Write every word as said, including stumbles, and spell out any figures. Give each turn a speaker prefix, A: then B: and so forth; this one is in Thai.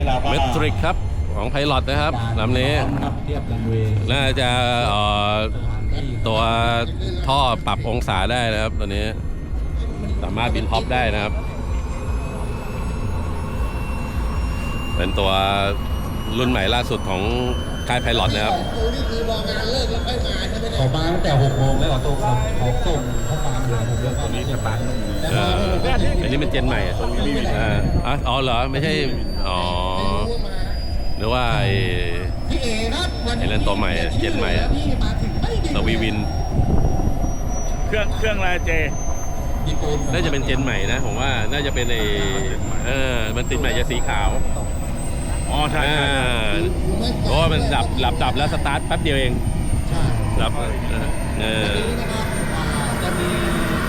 A: เมทริกครับของไพลอตนะครับลำนี้น่าจะเอ่อตัวท่อปรับองศาได้นะครับตัวนี้สามารถบินท็อปได้นะครับเป็นตัวรุ่นใหม่ล่าสุดของค่ายไพลอตนะครับ
B: เขามาตั้งแต่หกโมงแล้วเหรอตัวเขาเขาส่งเขาฟาร์มเหลือผมเรื่องตอนนี้จะปาร์ม
A: เอออันนี้มันเจนใหม่อ่าอ๋อเหรอไม่ใช่อ๋อหรือว่าไอ้ไอ้เล่นตัวใหม่เจนใหม่สวีวิน
C: เครื่องเครื่องอะไรเจ
A: น่าจะเป็นเจนใหม่นะผมว่าน่าจะเป็นไอ้เออมันติดใหม่จะสีขาว
C: อ๋อใช่
A: เพราะว่ามันดับดับดับแล้วสตาร์ทแป๊บเดียวเองดับเออ
B: จะมี